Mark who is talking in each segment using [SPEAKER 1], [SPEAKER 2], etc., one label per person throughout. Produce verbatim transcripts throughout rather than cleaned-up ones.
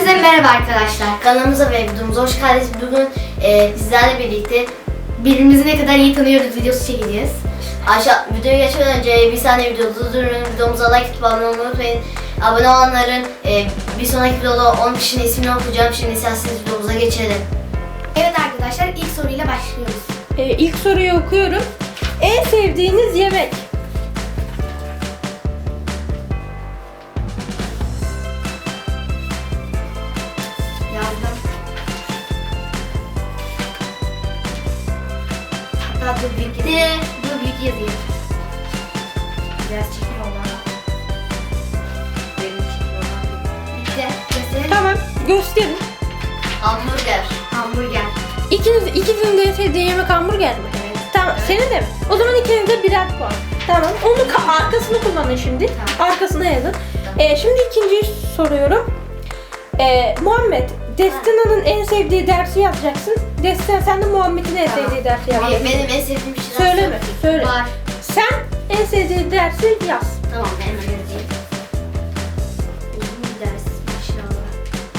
[SPEAKER 1] Hepinize merhaba arkadaşlar. Kanalımıza ve videomuza hoş geldiniz. Bugün e, bizlerle birlikte birbirimizi ne kadar iyi tanıyoruz videosu çekeceğiz. Aşağı videoya geçmeden önce bir saniye videoyu durdurun. Videomuza like atıp abone olmayı unutmayın. Abone olanların e, bir sonraki videoda on kişinin ismini okuyacağım. Şimdi isterseniz videomuza geçelim. Evet arkadaşlar, ilk soruyla başlıyoruz.
[SPEAKER 2] Ee, ilk soruyu okuyorum. En sevdiğiniz yemek?
[SPEAKER 1] Yazdım. Hatta dur büyük yazayım. Dur büyük yazayım. Biraz çekim olan. Benim çekim olan. Bitti. Gösterelim.
[SPEAKER 2] Tamam, gösterin.
[SPEAKER 1] Hamburger. Hamburger.
[SPEAKER 2] İkiniz, ikinizin de en sevdiği yemek hamburger mi?
[SPEAKER 1] Evet.
[SPEAKER 2] Tamam,
[SPEAKER 1] Evet.
[SPEAKER 2] senin de mi? O zaman ikiniz de birer puan. Tamam, onun ka- arkasını kullanın şimdi.
[SPEAKER 1] Tamam.
[SPEAKER 2] Arkasına yazın.
[SPEAKER 1] Tamam.
[SPEAKER 2] Ee, şimdi ikinciyi soruyorum. Ee, Muhammed, Destina'nın en sevdiği dersi yazacaksın. Destina, sen de Muhammed'in en
[SPEAKER 1] Tamam.
[SPEAKER 2] sevdiği dersi
[SPEAKER 1] Benim,
[SPEAKER 2] yazacaksın.
[SPEAKER 1] benim en sevdiğim şey
[SPEAKER 2] Söyleme, söyle.
[SPEAKER 1] Var.
[SPEAKER 2] Sen en sevdiğin dersi yaz.
[SPEAKER 1] Tamam, ben hemen yazayım. Uzun bir ders inşallah.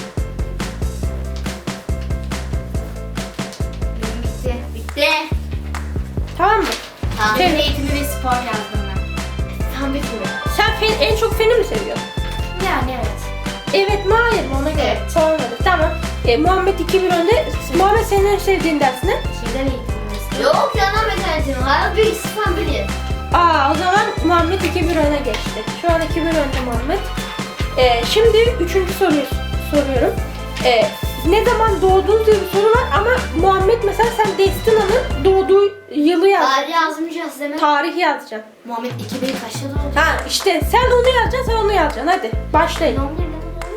[SPEAKER 1] Benim bitti. Bitti.
[SPEAKER 2] Tamam mı?
[SPEAKER 1] Tamam.
[SPEAKER 2] Evet.
[SPEAKER 1] Fen eğitimi ve spor yazdım ben. Tam bitmiyor.
[SPEAKER 2] Sen fen, en çok feni mi seviyorsun?
[SPEAKER 1] Yani evet.
[SPEAKER 2] Evet mi hayır mı ona göre.
[SPEAKER 1] Evet.
[SPEAKER 2] Puan verin. Tamam. E, Muhammed iki bir önde. Muhammed senin en sevdiğin ders ne?
[SPEAKER 1] Şimdiden eğitim ve Yok yandan mekanizm. Hayat bilgisi falan bilir.
[SPEAKER 2] Aa, o zaman Muhammed iki bir öne geçti. Şu an iki bir önde Muhammed. E, şimdi üçüncü soruyu soruyorum. E, ne zaman doğduğunuz diye bir soru var ama Muhammed mesela sen Destina'nın doğduğu yılı yaz.
[SPEAKER 1] Tarih yazmayacağız değil mi?
[SPEAKER 2] Tarih yazacaksın.
[SPEAKER 1] Muhammed iki bin kaçta doğdu?
[SPEAKER 2] Ha işte sen onu yazacaksın, sen onu yazacaksın. Hadi başlayın.
[SPEAKER 1] Ne oluyor lan?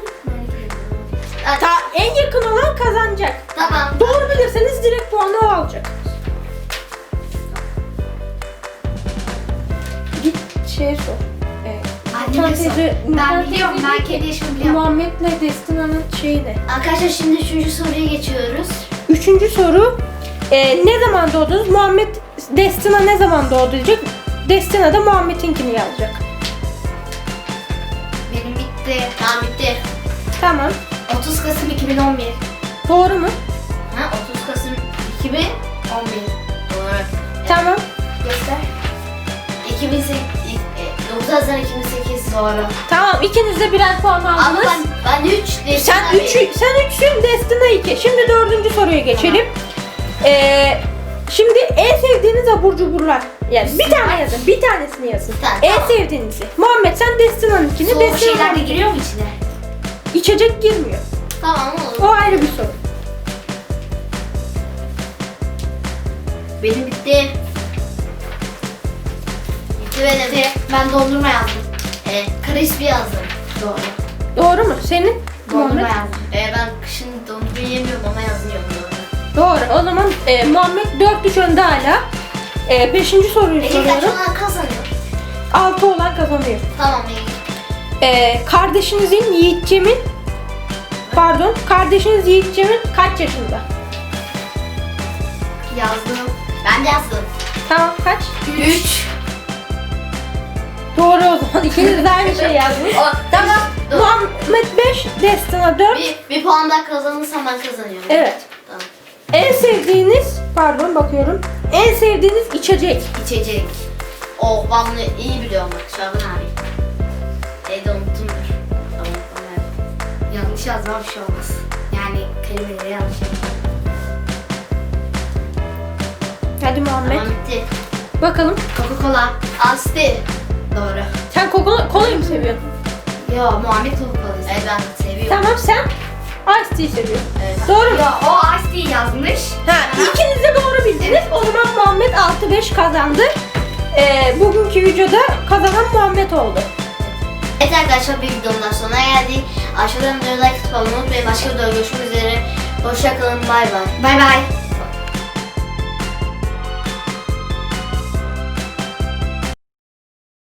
[SPEAKER 2] Ta, en yakın olan kazanacak.
[SPEAKER 1] Tamam.
[SPEAKER 2] Doğru bilirseniz direkt puanı o alacak. Git şeye sor. Evet.
[SPEAKER 1] Anneme
[SPEAKER 2] Nurten
[SPEAKER 1] sor.
[SPEAKER 2] teyze-
[SPEAKER 1] Ben
[SPEAKER 2] Nurten
[SPEAKER 1] biliyorum,
[SPEAKER 2] teyze
[SPEAKER 1] ben
[SPEAKER 2] dedi ki,
[SPEAKER 1] kendi yaşımı biliyorum.
[SPEAKER 2] Muhammed'le Destina'nın şeyi ne?
[SPEAKER 1] Arkadaşlar şimdi üçüncü soruya geçiyoruz.
[SPEAKER 2] Üçüncü soru. e, ne zaman doğdunuz? Muhammed, Destina ne zaman doğdu diyecek. Destina da Muhammed'inkini yazacak.
[SPEAKER 1] Benim bitti. Tamam bitti.
[SPEAKER 2] Tamam.
[SPEAKER 1] otuz Kasım iki bin on bir.
[SPEAKER 2] Doğru mu?
[SPEAKER 1] Ha otuz Kasım iki bin on bir. Doğru.
[SPEAKER 2] Tamam.
[SPEAKER 1] Göster. iki bin sekiz, dokuz Haziran iki bin sekiz doğru.
[SPEAKER 2] Tamam. İkiniz de birer puan
[SPEAKER 1] Ama
[SPEAKER 2] aldınız.
[SPEAKER 1] ben, ben üç değil.
[SPEAKER 2] Sen üç, sen üçsün, Destina iki. Şimdi dördüncü soruya geçelim. Ee, şimdi en sevdiğiniz abur cuburlar. Yani bir tane yazın, bir tanesini yazın.
[SPEAKER 1] Tamam,
[SPEAKER 2] En
[SPEAKER 1] tamam.
[SPEAKER 2] sevdiğinizi. Muhammed sen Destina'nınkini,
[SPEAKER 1] Soğuk şeyler de
[SPEAKER 2] Destina'nınkini.
[SPEAKER 1] giriyor mu içine?
[SPEAKER 2] İçecek girmiyor.
[SPEAKER 1] Tamam olur.
[SPEAKER 2] O ayrı bir soru.
[SPEAKER 1] Benim bitti. Bitti benim. Bitti. Ben dondurma yazdım. Ee, crispy yazdım. Doğru.
[SPEAKER 2] Doğru mu? Senin?
[SPEAKER 1] Dondurma
[SPEAKER 2] Muhammed.
[SPEAKER 1] yazdım. Ee, ben kışın dondurma yemiyorum ama yazıyorum doğru.
[SPEAKER 2] Doğru. O zaman e, Muhammed dört üç önde hala. E, beşinci soruyu
[SPEAKER 1] Peki kaç
[SPEAKER 2] soruyorum.
[SPEAKER 1] olan kazanıyor?
[SPEAKER 2] altı olan kazanıyor.
[SPEAKER 1] Tamam iyi.
[SPEAKER 2] E, kardeşinizin Yiğitcem'in Pardon, kardeşiniz Yiğitcem'in kaç yaşında?
[SPEAKER 1] Yazdım. Ben de yazdım.
[SPEAKER 2] Tamam, kaç?
[SPEAKER 1] üç.
[SPEAKER 2] Doğru o zaman. İkiniz de aynı şey yazdınız.
[SPEAKER 1] O-
[SPEAKER 2] Tamam.
[SPEAKER 1] Dur.
[SPEAKER 2] Muhammed beş, Destina dört.
[SPEAKER 1] Bir, bir puan daha kazanırsam ben kazanıyorum.
[SPEAKER 2] Evet.
[SPEAKER 1] Tamam.
[SPEAKER 2] En sevdiğiniz, pardon bakıyorum. En sevdiğiniz içecek.
[SPEAKER 1] İçecek. Oh ben bunu iyi biliyorum bak Şaban abi. Evde unuttumdur. Tamam tamam. Yanlış yazmam bir şey olmaz. Yani kelimeleri yanlış yazmam.
[SPEAKER 2] Hadi Muhammed.
[SPEAKER 1] Tamam bitti.
[SPEAKER 2] Bakalım.
[SPEAKER 1] Coca-Cola. Asti. Doğru.
[SPEAKER 2] Sen kola, kolayı mı seviyorsun?
[SPEAKER 1] Yo Muhammed Coca-Cola'yı Evet ben seviyorum.
[SPEAKER 2] Tamam, sen Ice Tea seviyorsun.
[SPEAKER 1] Evet.
[SPEAKER 2] Doğru mu?
[SPEAKER 1] Yo o Asti yazmış.
[SPEAKER 2] Ha, ikiniz de doğru bildiniz. O zaman Muhammed altı beş kazandı. Ee, bugünkü videoda kazanan Muhammed oldu.
[SPEAKER 1] Evet arkadaşlar bir videonun daha sonuna geldik. Aşağıdan videoyu like atıp abone olmayı unutmayın. Başka videoda görüşmek üzere. Hoşçakalın. Bay bay. Bay bay.